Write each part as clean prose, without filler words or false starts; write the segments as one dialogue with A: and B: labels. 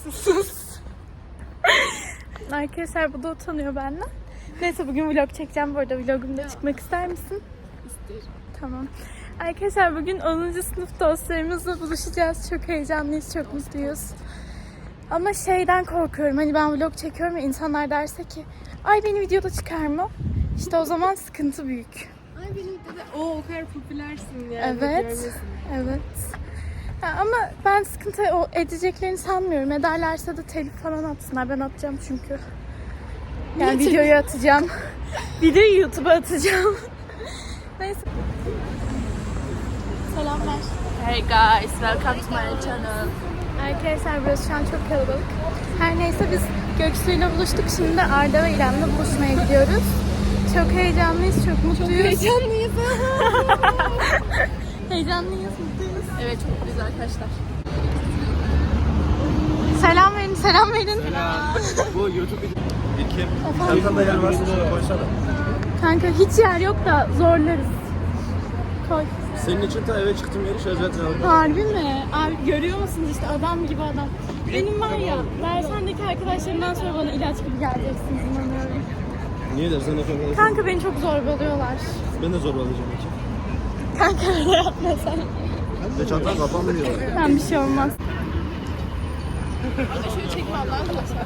A: Sus. Arkadaşlar bu da utanıyor benden. Neyse bugün vlog çekeceğim bu arada. Vlogumda çıkmak ister misin?
B: İsterim.
A: Tamam. Arkadaşlar bugün 10. sınıf dostlarımızla buluşacağız. Çok heyecanlıyız, çok mutluyuz. Ama şeyden korkuyorum. Hani ben vlog çekiyorum ve insanlar derse ki ay beni videoda çıkar mı? İşte o zaman sıkıntı büyük.
B: Ay benim de o kadar popülersin ya.
A: Evet. Evet. Ha, ama ben sıkıntı edeceklerini sanmıyorum. Ederlerse de telif falan atsınlar. Ben atacağım çünkü. Yani videoyu atacağım. Videoyu YouTube'a atacağım. Neyse. Selamlar.
B: Hey guys, welcome to my channel.
A: Arkadaşlar burası şu an çok kalabalık. Her neyse biz Göksu'yla buluştuk. Şimdi de Arda ve İrem'le buluşmaya gidiyoruz. Çok heyecanlıyız, çok mutluyuz.
B: Heyecanlıyız.
A: Heyecanlıyız, mutluyuz.
B: Evet, çok mutluyuz arkadaşlar.
A: Selam verin, selam verin.
C: Bu YouTube İlkim. Çantanda yer varsa şunu koysana.
A: Kanka hiç yer yok da zorlarız. Koy.
C: Senin için ta eve çıktım yeri şöyle aldım.
A: Harbi mi? Abi görüyor musunuz işte adam gibi adam. Benim var ya, Versen'deki arkadaşlarımdan sonra bana ilaç gibi geleceksiniz inanıyorum.
C: Niye dersen efendim?
A: Kanka beni çok zorbalıyorlar.
C: Ben de zorbalayacağım iki.
A: Kanka öyle yapma sen.
C: Ve çantam kapanmıyor.
A: Ben bir şey olmaz.
B: Şöyle çekme Allah'ın olsun.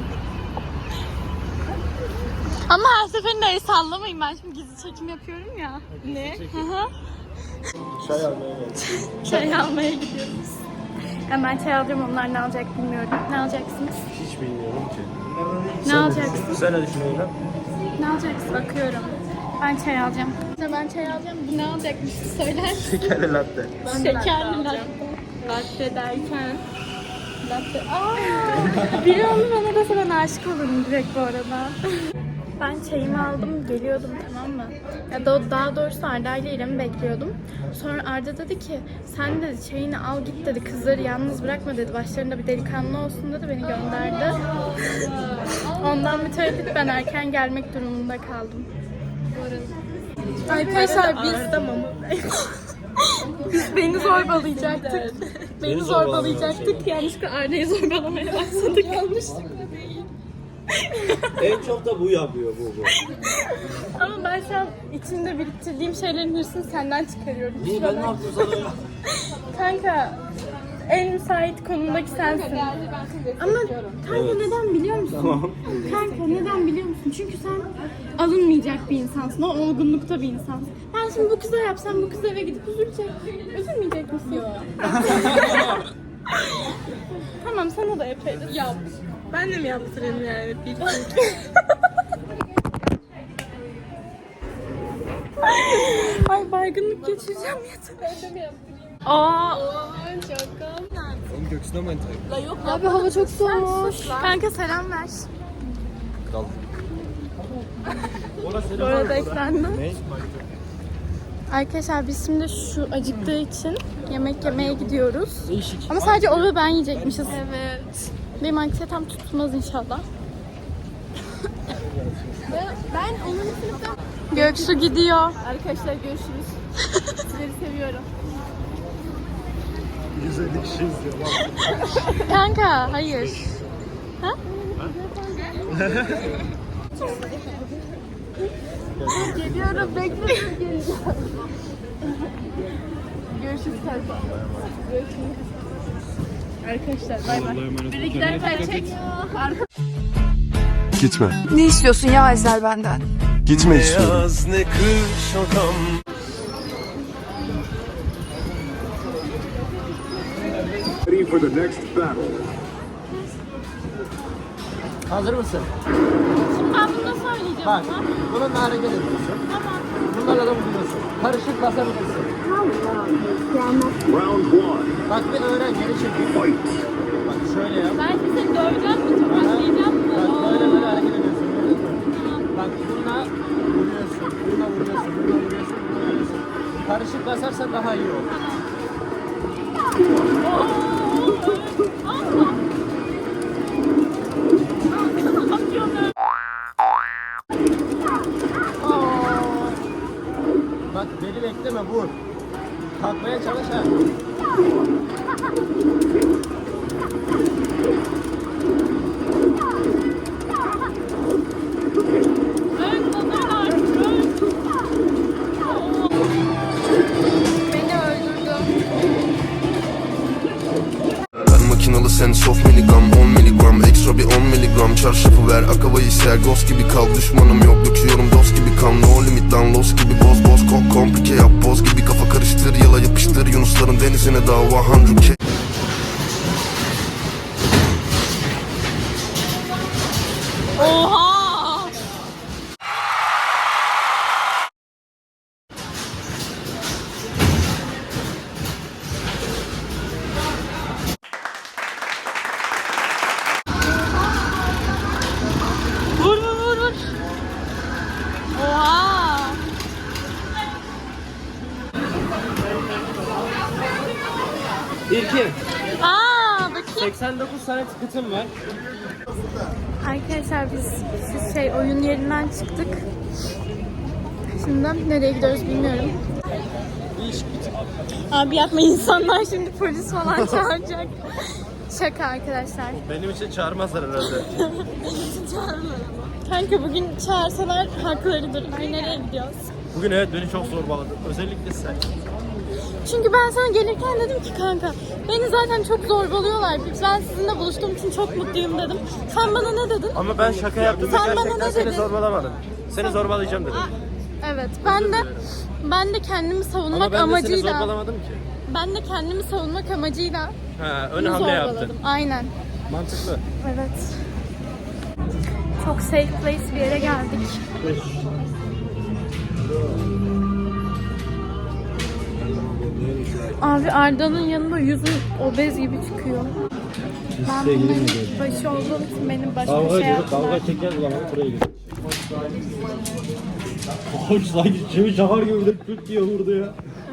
A: Ama her seferinde el sallamayın, ben şimdi gizli çekim yapıyorum ya. Ne? Hı.
C: Çay almaya geldim.
A: Çay almaya gidiyoruz. Hemen çay alacağım, onlar ne alacak bilmiyorum. Ne alacaksınız?
C: Hiç bilmiyorum ki.
A: Ne alacaksın?
C: Sen ne düşünüyorsun?
A: Ne alacaksın? Bakıyorum. Ben çay alacağım. Ben çay alacağım. Bu ne alacakmış? Söyler misin?
C: Şekerli latte.
A: Şekerli latte. Latte derken. Latte. Biri onu bana dese ben aşık olurum direkt bu arada. Ben çayımı aldım, geliyordum tamam mı? Ya daha doğrusu Arda ile İrem'i bekliyordum. Sonra Arda dedi ki sen dedi çayını al git dedi, kızları yalnız bırakma dedi. Başlarında bir delikanlı olsun dedi, beni gönderdi. Ondan mütevellit ben erken gelmek durumunda kaldım. Arkadaşlar biz beni zorbalayacaktık. Beni zorbalayacaktık. Yanlışlıkla Arda'yı zorbalamaya başladık.
B: Yanlışlıkla değil.
C: En çok da bu yapıyor bu.
A: Ama ben şu an içimde biriktirdiğim şeylerin hırsını senden çıkarıyorum.
C: Niye ben ne yaptım sana ya?
A: Kanka en müsait konumdaki sensin. Ama kanka neden biliyor musun?
C: Tamam.
A: Kanka neden biliyor musun? Çünkü sen alınmayacak bir insansın. O olgunlukta bir insansın. Ben şimdi bu kıza yapsam bu kız eve gidip üzülecek. Üzülmeyecek misin? Yok. Tamam sana da yaparız.
B: Yap. Ben de mi yaptırayım yani?
A: Ay baygınlık geçireceğim yeter.
B: Ben de mi yaptırayım?
A: Aa.
B: Şaka.
C: Oğlum göksüne mantar.
B: La yok.
A: Abi hava çok soğumuş. Kanka selam ver.
C: Kal.
A: Bu arada eklendi.
C: Ne?
A: Arkadaşlar biz şimdi şu acıktığı için yemek yemeye gidiyoruz.
C: Değişik.
A: Ama sadece o ve ben yiyecekmişiz.
B: Evet.
A: Benim anksiyetem tutmaz inşallah.
B: Ben 10. sınıfta...
A: Göksu gidiyor.
B: Arkadaşlar görüşürüz. Sizleri seviyorum.
C: 150 kişi izliyor.
A: Kanka hayır. Ha?
B: Geliyorum, bekliyorum geleceğim. Görüşürüz kanka. Görüşürüz. Arkadaşlar bay bay. Biri giderken çek.
D: Gitme.
E: Ne istiyorsun ya Ezel benden?
D: Gitme istiyorum.
C: Beyaz ne kış odam.
F: Ready for the next battle.
C: Hazır mısın?
A: Şimdi ben bunu nasıl söyleyeceğim
C: Bak,
A: ama?
C: bununla hareket ediyorsun.
A: Tamam.
C: Bunlarla da vuruyorsun. Karışık basabilirsin.
F: Round one.
C: Bak bir öğren, geri çekil.
F: Fight.
C: Bak şöyle yap.
A: Ben şimdi seni döveceğim mi? Tokatlayacağım mı?
C: Bak böyle hareket ediyorsun. Bak bununla vuruyorsun, bununla vuruyorsun, bununla vuruyorsun, bununla vuruyorsun. Karışık basarsan daha iyi olur. Bak beni bekleme, vur. Kalkmaya çalış ha.
D: sen soft miligram 10 miligram ekstra bir 10 miligram çarşafı ver akavayı ser ghost gibi kal düşmanım yok döküyorum dost gibi kan no limit lan los gibi boz komplike yap boz gibi kafa karıştır yala yapıştır Yunusların denizine dava 100k.
A: Oha! Vur vur vur vur. Oha!
C: İlkim.
A: Aa, bakayım.
C: 89 tane tıkıtım var.
A: Arkadaşlar biz şu oyun yerinden çıktık. Şimdi nereye gidiyoruz bilmiyorum. Abi yapma, insanlar şimdi polis falan çağıracak. Şaka arkadaşlar.
C: Benim için çağırmazlar herhalde.
A: Kanka bugün çağırsalar haklarıdır. Ay nereye gidiyoruz?
C: Bugün evet beni çok zorbaladı. Özellikle sen.
A: Çünkü ben sana gelirken dedim ki kanka beni zaten çok zorbalıyorlar. Ben sizinle buluştuğum için çok mutluyum dedim. Sen bana ne dedin?
C: Ama ben şaka yaptım ve
A: Sen bana
C: gerçekten
A: ne
C: seni
A: dedin?
C: zorbalamadım. Seni zorbalayacağım dedim.
A: Evet, ben de kendimi savunmak
C: Ama ben de seni
A: amacıyla
C: zorbalamadım ki.
A: ben de kendimi savunmak amacıyla
C: Ha, ön
A: bunu
C: hamle
A: zorbaladım.
C: yaptın.
A: Aynen.
C: Mantıklı.
A: Evet. Çok safe place bir yere geldik. Abi Arda'nın yanında yüzün obez gibi çıkıyor. Ben bunların başı olduğum için benim başıma şey yaptılar.
C: çeker zaman buraya gidiyor. Koç sanki çivi çakar gibi de küt diye vurdu ya.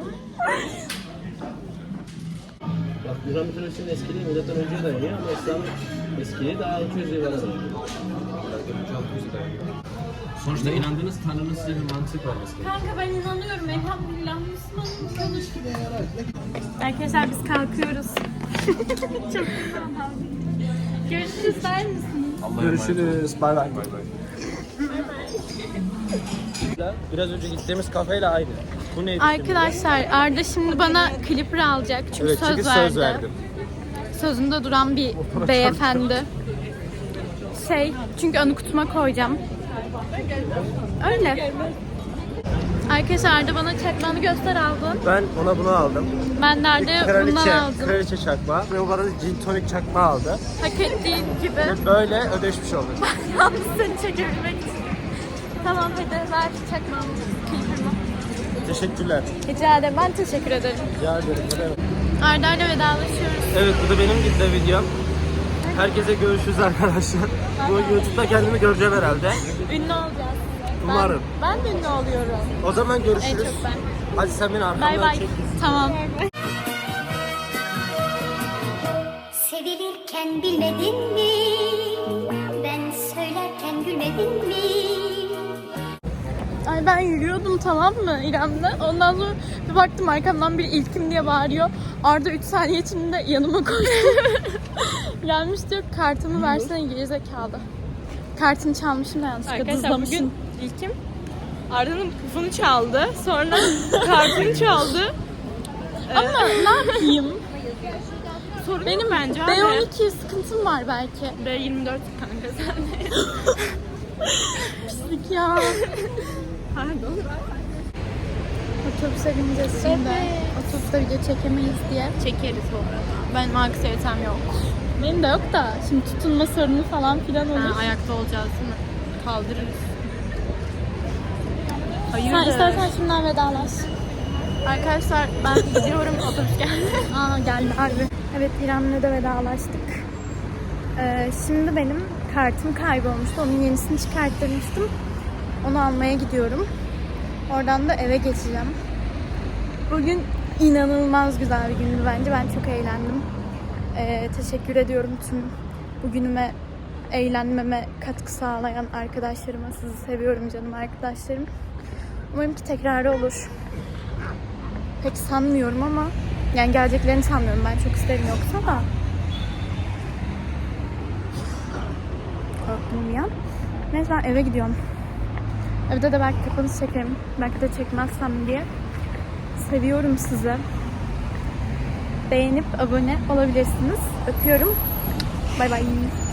C: Bak Yunan mitolojisinin eskiliği milattan önce dayanıyor ama İslam'ın eskiliği daha 600 yıl var. Sonuçta inandığınız Tanrı'nın size bir mantık var mesela.
A: Kanka ben inanıyorum. Elhamdülillah Müslümanım. Konuş. Arkadaşlar biz kalkıyoruz. Çok güzel. Görüşürüz der misiniz?
C: Görüşürüz. Bay bay. Biraz önce gittiğimiz kafeyle aynı. Bu neydi?
A: Arkadaşlar Arda şimdi bana clipper alacak çünkü
C: Evet, çünkü söz verdim.
A: Sözünde duran bir beyefendi. Çünkü anı kutuma koyacağım. Öyle. Arkadaşlar Arda bana çakmağını göster aldın.
C: Ben ona bunu aldım.
A: Ben de Arda'ya bundan aldım.
C: Kraliçe çakmağı ve o bana gin tonic çakmağı aldı.
A: Hak ettiğin gibi.
C: Ve böyle ödeşmiş olduk.
A: Yalnız seni çekebilmek için. Tamam hadi ver çakmağımı. Clipper'ımı.
C: Teşekkürler.
A: Rica ederim. Ben teşekkür ederim.
C: Rica ederim.
A: Arda'yla vedalaşıyoruz.
C: Evet bu da benim gitti videom. Herkese görüşürüz arkadaşlar. Bu YouTube'da kendimi göreceğim herhalde.
A: Ünlü olacağız.
C: Umarım.
A: Ben de ünlü oluyorum.
C: O zaman
A: En
C: görüşürüz.
A: çok ben.
C: Hadi sen beni
A: Bay
C: arkamdan
A: bay.
C: çek.
A: Tamam.
G: Sevilirken bilmedin mi? Ben söylerken gülmedin mi?
A: Ay ben yürüyordum tamam mı İrem'le. Ondan sonra bir baktım arkamdan biri İlkim diye bağırıyor. Arda 3 saniye içinde yanıma koştu. Gelmiş diyor kartımı versene gerizekalı. Kartını çalmışım da yanlışlıkla
B: Arkadaşlar
A: dızlamışım.
B: bugün İlkim Arda'nın pufunu çaldı. Sonra kartını çaldı.
A: Ama ne yapayım?
B: Sorun
A: Benim
B: bence abi.
A: B12 sıkıntım var belki.
B: B24 kanka sen.
A: Pislik ya.
B: Pardon.
A: Otobüse bineceğiz şimdi. Otobüste video çekemeyiz diye.
B: Çekeriz bu arada.
A: Benim anksiyetem yok. Benim de yok da şimdi tutunma sorunu falan filan olur.
B: Ha, ayakta olacağız değil mi? Kaldırırız. Hayır.
A: Sen istersen şimdiden vedalaş.
B: Arkadaşlar ben gidiyorum, otobüs geldi.
A: Aa geldi harbi. Evet İrem'le de vedalaştık. Şimdi benim kartım kaybolmuştu. Onun yenisini çıkarttırmıştım. Onu almaya gidiyorum. Oradan da eve geçeceğim. Bugün inanılmaz güzel bir gündü bence. Ben çok eğlendim. Teşekkür ediyorum tüm bugünüme, eğlenmeme katkı sağlayan arkadaşlarıma. Sizi seviyorum canım arkadaşlarım. Umarım ki tekrarı olur. Pek sanmıyorum ama yani geleceklerini sanmıyorum. Ben çok isterim yoksa da. Korktum bir an. Neyse ben eve gidiyorum. Evde de belki kapanış çekerim. Belki de çekmezsem diye. Seviyorum sizi. Beğenip abone olabilirsiniz. Öpüyorum. Bay bay.